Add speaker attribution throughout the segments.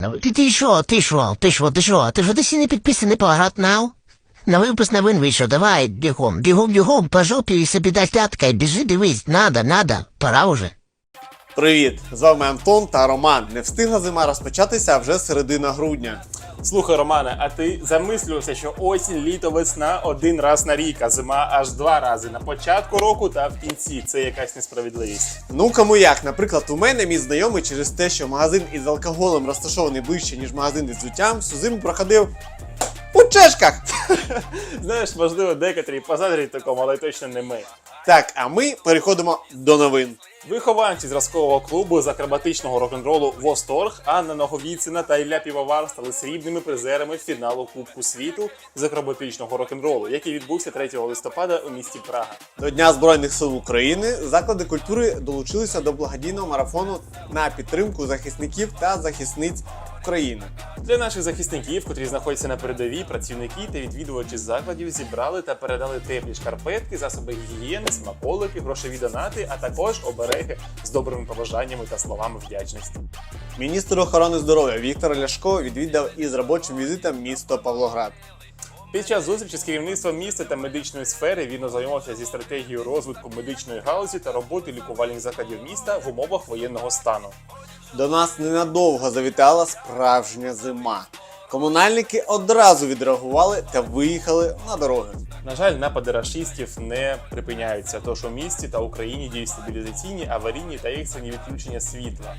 Speaker 1: Ну, ти що, ти ще не підписаний Полград Нау? На випуск новин вийшов, давай, бігом, по жопі і собі дай тятка, і біжи, дивись, надо, пора уже.
Speaker 2: Привіт! З вами Антон та Роман. Не встигла зима розпочатися, а вже середина грудня.
Speaker 3: Слухай, Романе, а ти замислювався, що осінь, літо, весна один раз на рік, а зима аж два рази на початку року та в кінці. Це якась несправедливість.
Speaker 2: Ну кому як, наприклад, у мене мій знайомий через те, що магазин із алкоголем розташований ближче, ніж магазин із взуттям, всю зиму проходив у чешках.
Speaker 3: Знаєш, можливо, декотрі позадрять такому, але точно не ми.
Speaker 2: Так, а ми переходимо до новин.
Speaker 3: Вихованці зразкового клубу з акробатичного рок-н-ролу «Восторг» Анна Ноговіцина та Ілля Півовар стали срібними призерами фіналу Кубку світу з акробатичного рок-н-ролу, який відбувся 3 листопада у місті Прага.
Speaker 2: До Дня Збройних сил України заклади культури долучилися до благодійного марафону на підтримку захисників та захисниць України.
Speaker 3: Для наших захисників, котрі знаходяться на передовій, працівники та відвідувачі закладів зібрали та передали теплі шкарпетки, засоби гігієни, смаколики, грошові донати, а також обереги з добрими побажаннями та словами вдячності.
Speaker 2: Міністр охорони здоров'я Віктор Ляшко відвідав із робочим візитом місто Павлоград.
Speaker 3: Під час зустрічі з керівництвом міста та медичної сфери він ознайомився зі стратегією розвитку медичної галузі та роботи лікувальних закладів міста в умовах воєнного стану.
Speaker 2: До нас ненадовго завітала справжня зима. Комунальники одразу відреагували та виїхали на дороги.
Speaker 3: На жаль, напади рашистів не припиняються, тож у місті та Україні діють стабілізаційні, аварійні та екстрені відключення світла.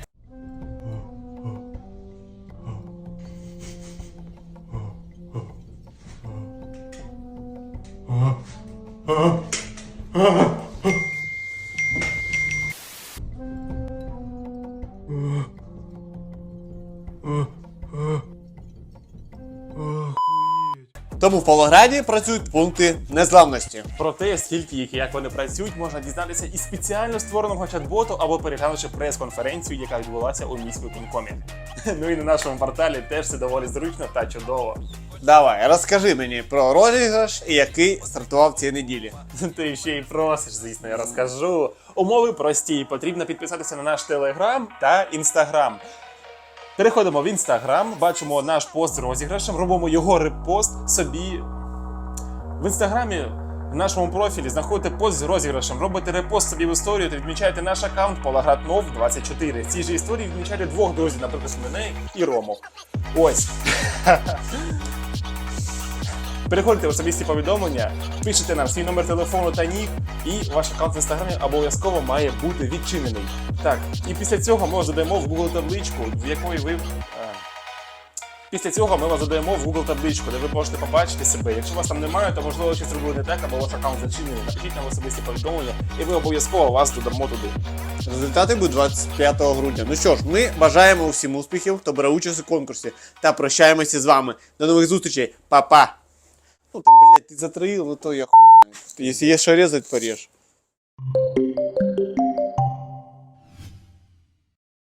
Speaker 2: Тому в Павлограді працюють пункти незламності.
Speaker 3: Про те, скільки їх і як вони працюють, можна дізнатися із спеціально створеного чат-боту або переглянувши прес-конференцію, яка відбулася у міськвиконкомі. Ну і на нашому порталі теж все доволі зручно та чудово.
Speaker 2: Давай, розкажи мені про розіграш, який стартував цієї неділі.
Speaker 3: Ти ще й просиш, звісно, я розкажу. Умови прості. Потрібно підписатися на наш Телеграм та Інстаграм. Переходимо в Інстаграм, бачимо наш пост з розіграшем, робимо його репост собі. В Інстаграмі, в нашому профілі, знаходите пост з розіграшем, робите репост собі в історію та відмічаєте наш аккаунт PologradNov24. В цій же історії відмічаєте двох друзів, наприклад, мене і Рому. Ось. Переходите в особисті повідомлення, пишете нам свій номер телефону та нік, і ваш аккаунт в Інстаграмі обов'язково має бути відчинений. Так, і після цього ми вас додаємо в Google табличку, в якої ви... Після цього ми вас додаємо в Google табличку, де ви можете побачити себе. Якщо вас там немає, то можливо щось зробили не так, або ваш аккаунт зачинений. Напишіть нам особисті повідомлення, і ми обов'язково вас додамо туди.
Speaker 2: Результати будуть 25 грудня. Ну що ж, ми бажаємо усім успіхів, хто бере участь у конкурсі, та прощаємося з вами. До нових зустрічей, па-па! Ну там, блядь, ты затроил, ну то я хуй знает. Если есть что резать, порежь.